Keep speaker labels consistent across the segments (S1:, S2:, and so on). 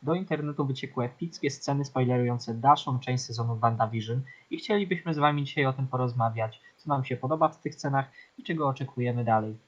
S1: do internetu wyciekły epickie sceny spoilerujące dalszą część sezonu WandaVision i chcielibyśmy z Wami dzisiaj o tym porozmawiać, co nam się podoba w tych scenach i czego oczekujemy dalej.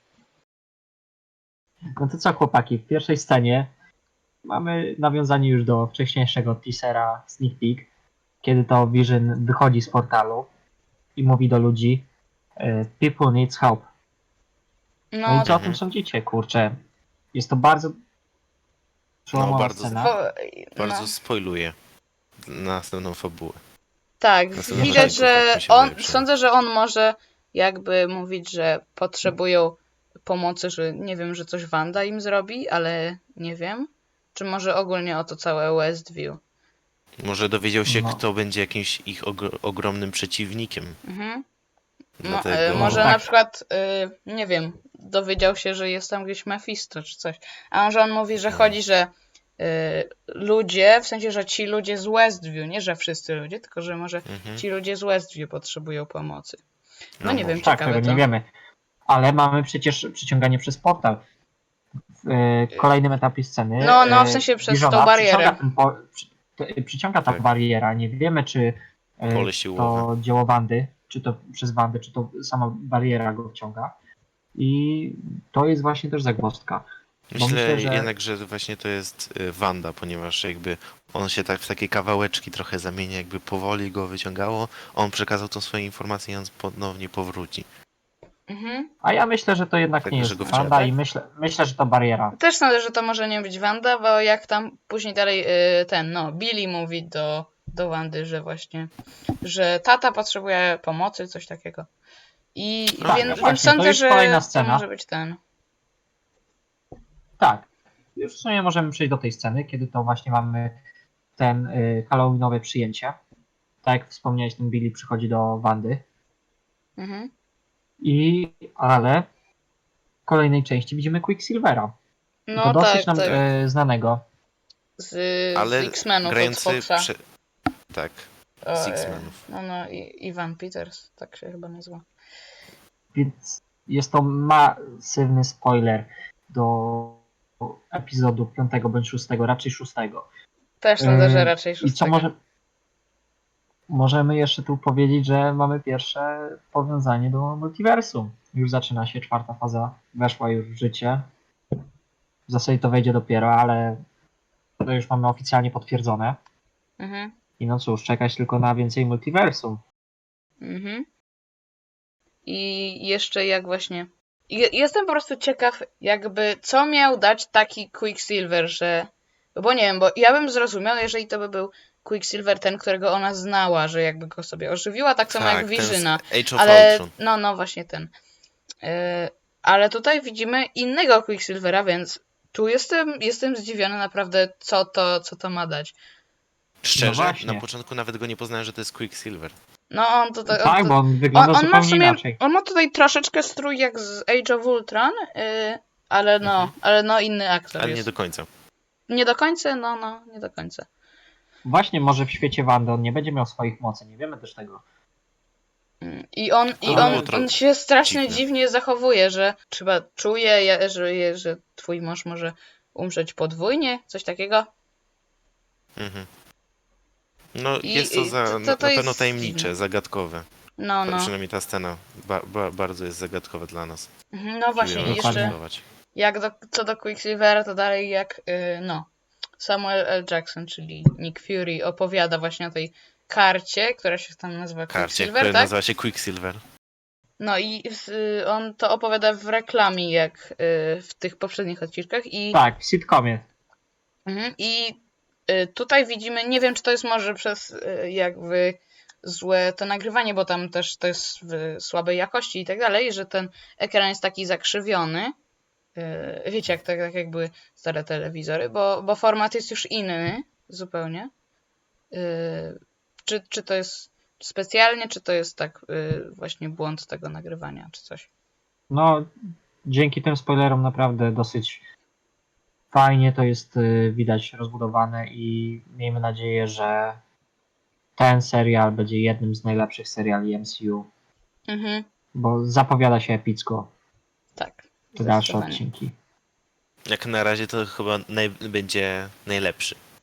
S1: No to co, chłopaki, w pierwszej scenie mamy nawiązanie już do wcześniejszego teasera Sneak Peek, kiedy to Vision wychodzi z portalu i mówi do ludzi People needs help. No i co o tym sądzicie, kurczę? Jest to bardzo przełomowa
S2: bardzo
S1: scena.
S2: Bardzo spoiluje następną fabułę.
S3: Tak,
S2: Następnego
S3: widać,
S2: odcinku, tak
S3: że
S2: mi się wydaje przynajmniej.
S3: sądzę, że on może jakby mówić, że potrzebują pomocy, że nie wiem, że coś Wanda im zrobi, ale nie wiem. Czy może ogólnie o to całe Westview.
S2: Może dowiedział się,
S1: No.
S2: kto będzie jakimś ich ogromnym przeciwnikiem.
S3: Mhm.
S2: Dlatego...
S3: Może
S1: tak.
S3: na przykład, nie wiem, dowiedział się, że jest tam gdzieś Mephisto czy coś. A może on mówi, że chodzi, że ludzie, w sensie, że ci ludzie z Westview, nie że wszyscy ludzie, tylko że może ci ludzie z Westview potrzebują pomocy. No nie wiem,
S2: może.
S1: Tak,
S3: ciekawe
S1: tego
S3: to.
S1: nie wiemy. Ale mamy przecież przyciąganie przez portal. W kolejnym etapie sceny.
S3: No, w sensie przez
S1: Visiona
S3: tą barierę.
S1: Przyciąga ta
S2: Tak.
S1: bariera. Nie wiemy, czy
S2: Pole
S1: to
S2: siłowe.
S1: dzieło Wandy, czy to przez Wandę, czy to sama bariera go wciąga. I to jest właśnie też zagwozdka. Bo
S2: Myślę
S1: że...
S2: jednak, że właśnie to jest Wanda, ponieważ jakby on się tak w takie kawałeczki trochę zamienia, jakby powoli go wyciągało. On przekazał tą swoją informację i on ponownie powróci.
S3: Mhm.
S1: A ja myślę, że to jednak
S2: Tak,
S1: nie
S2: że
S1: jest
S2: go
S1: Wanda
S2: wciąga.
S1: i myślę, że to bariera.
S3: Też sądzę, że to może nie być Wanda, bo jak tam później dalej Billy mówi do Wandy, że właśnie, że tata potrzebuje pomocy, coś takiego. I
S1: Tak,
S3: więc
S1: właśnie, to
S3: sądzę,
S1: jest
S3: że
S1: kolejna
S3: to
S1: scena.
S3: może być ten.
S1: Tak. Już w sumie możemy przejść do tej sceny, kiedy to właśnie mamy ten halloweenowe przyjęcie. Tak jak wspomniałeś, ten Billy przychodzi do Wandy.
S3: Mhm.
S1: Ale w kolejnej części widzimy Quicksilvera.
S3: No
S1: To dosyć
S3: tak,
S1: nam
S3: tak.
S1: znanego.
S3: Z
S2: Ale
S3: X-Menów od
S2: grający...
S3: Foxa.
S2: Tak,
S3: O,
S2: z X-Menów.
S3: No i Ivan Peters, tak się chyba nazywa.
S1: Więc jest to masywny spoiler do epizodu 5 bądź 6, raczej 6.
S3: Też sądzę, że raczej
S1: I co
S3: szóstego.
S1: możemy jeszcze tu powiedzieć, że mamy pierwsze powiązanie do multiversum. Już zaczyna się 4. faza, weszła już w życie. W zasadzie to wejdzie dopiero, ale to już mamy oficjalnie potwierdzone.
S3: Mhm.
S1: I no cóż, czekać tylko na więcej multiversum.
S3: Mhm. I jeszcze jak właśnie... Jestem po prostu ciekaw, jakby co miał dać taki Quicksilver, że... Bo nie wiem, bo ja bym zrozumiał, jeżeli to by był Quicksilver ten, którego ona znała, że jakby go sobie ożywiła, tak samo jak
S2: ten z
S3: Visiona.
S2: Age of
S3: Ale
S2: Ultron.
S3: no właśnie ten. Ale tutaj widzimy innego Quicksilvera, więc tu jestem zdziwiony naprawdę, co to ma dać.
S2: Szczerze,
S1: właśnie.
S2: na początku nawet go nie poznałem, że to jest Quicksilver.
S3: No on tutaj...
S1: Tak, bo on wygląda
S3: on ma w
S1: zupełnie
S3: sumie,
S1: inaczej.
S3: on ma tutaj troszeczkę strój jak z Age of Ultron, ale no inny aktor
S2: Ale
S3: jest.
S2: nie do końca.
S3: Nie do końca? Nie do końca.
S1: Właśnie może w świecie Wandy on nie będzie miał swoich mocy, nie wiemy też tego.
S3: I
S2: było
S3: on się strasznie
S2: dziwne.
S3: dziwnie zachowuje, że chyba czuje, że twój mąż może umrzeć podwójnie, coś takiego.
S2: Mhm. No
S3: I-
S2: jest to,
S3: i
S2: za,
S3: to
S2: na pewno
S3: jest
S2: tajemnicze,
S3: dziwne.
S2: zagadkowe.
S3: No.
S2: Przynajmniej ta scena bardzo jest zagadkowa dla nas.
S3: No właśnie,
S2: Próbujemy
S3: i jeszcze
S2: rozwiązywać.
S3: co do Quicksilvera, to dalej jak Samuel L. Jackson, czyli Nick Fury, opowiada właśnie o tej karcie, która się tam nazywa
S2: Karcie,
S3: Quicksilver,
S2: które
S3: tak?
S2: nazywa się Quicksilver.
S3: No i on to opowiada w reklamie, jak w tych poprzednich odcinkach i...
S1: Tak, w sitcomie.
S3: I tutaj widzimy, nie wiem, czy to jest może przez jakby złe to nagrywanie, bo tam też to jest w słabej jakości i tak dalej, że ten ekran jest taki zakrzywiony. Wiecie, tak jak były stare telewizory, bo format jest już inny zupełnie. Czy to jest specjalnie, czy to jest tak właśnie błąd tego nagrywania, czy coś?
S1: No, dzięki tym spoilerom naprawdę dosyć fajnie to jest widać rozbudowane i miejmy nadzieję, że ten serial będzie jednym z najlepszych seriali MCU,
S3: Mhm,
S1: bo zapowiada się epicko
S3: tak.
S1: te dalsze
S3: Zdecydowanie.
S1: odcinki.
S2: Jak na razie to chyba będzie najlepszy.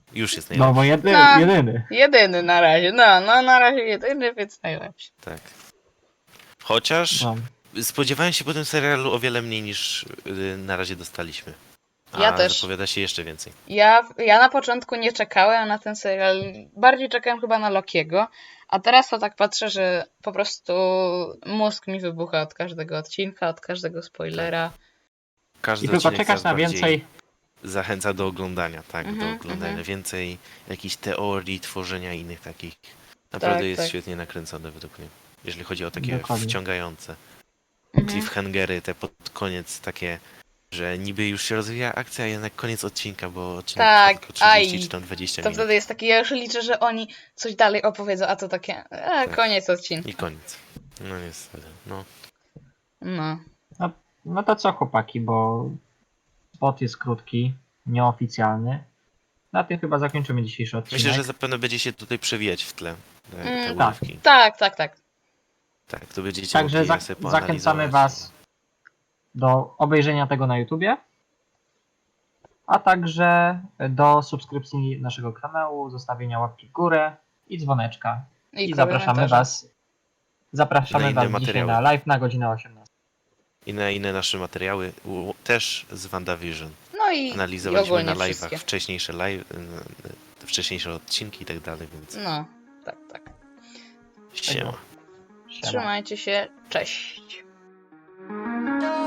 S2: Już jest
S1: No
S2: najlepszy.
S1: bo
S3: No.
S1: jedyny.
S3: Jedyny na razie, no na razie jedyny, więc najlepszy.
S2: Tak. Chociaż
S1: No.
S2: spodziewałem się po tym serialu o wiele mniej niż na razie dostaliśmy. A
S3: Ja też.
S2: zapowiada się jeszcze więcej.
S3: Ja na początku nie czekałem na ten serial, bardziej czekałem chyba na Lokiego, a teraz to tak patrzę, że po prostu mózg mi wybucha od każdego odcinka, od każdego spoilera.
S2: Każdy
S1: I tylko
S2: odcinek
S1: czekasz
S2: coraz
S1: na
S2: bardziej
S1: więcej.
S2: zachęca do oglądania, tak, do
S3: Mhm,
S2: oglądania.
S3: mhm.
S2: Więcej jakichś teorii, tworzenia innych takich. Naprawdę
S3: Tak,
S2: jest
S3: tak.
S2: świetnie nakręcone według mnie. Jeżeli chodzi o takie
S1: Dokładnie.
S2: wciągające
S3: Mhm.
S2: cliffhangery, te pod koniec takie, że niby już się rozwija akcja, a jednak koniec odcinka, bo odcinek trwa
S3: Tak,
S2: tylko 30
S3: aj,
S2: czy tam 20
S3: To
S2: minut.
S3: wtedy jest takie, ja już liczę, że oni coś dalej opowiedzą, a to takie,
S2: Tak.
S3: koniec odcinka.
S2: I koniec. No niestety, no.
S3: No.
S1: No to co chłopaki, bo spot jest krótki, nieoficjalny. Na tym chyba zakończymy dzisiejszy odcinek.
S2: Myślę, że zapewne będzie się tutaj przewijać w tle te
S3: Tak.
S2: urywki.
S3: Tak.
S2: Tak, to będziecie
S1: Także
S2: mogli je sobie
S1: zachęcamy
S2: poanalizować.
S1: Was do obejrzenia tego na YouTubie, a także do subskrypcji naszego kanału, zostawienia łapki w górę i dzwoneczka. I zapraszamy
S3: komentarze.
S1: Was. Zapraszamy
S2: Na inne
S1: Was dzisiaj
S2: materiały.
S1: na live na godzinę 18.
S2: I na inne nasze materiały, też z WandaVision.
S3: No i
S2: Analizowaliśmy
S3: ogólnie
S2: na live'ach
S3: wszystkie.
S2: wcześniejsze odcinki i tak dalej, więc
S3: No, tak.
S2: siema.
S1: Siema.
S3: Trzymajcie się, cześć.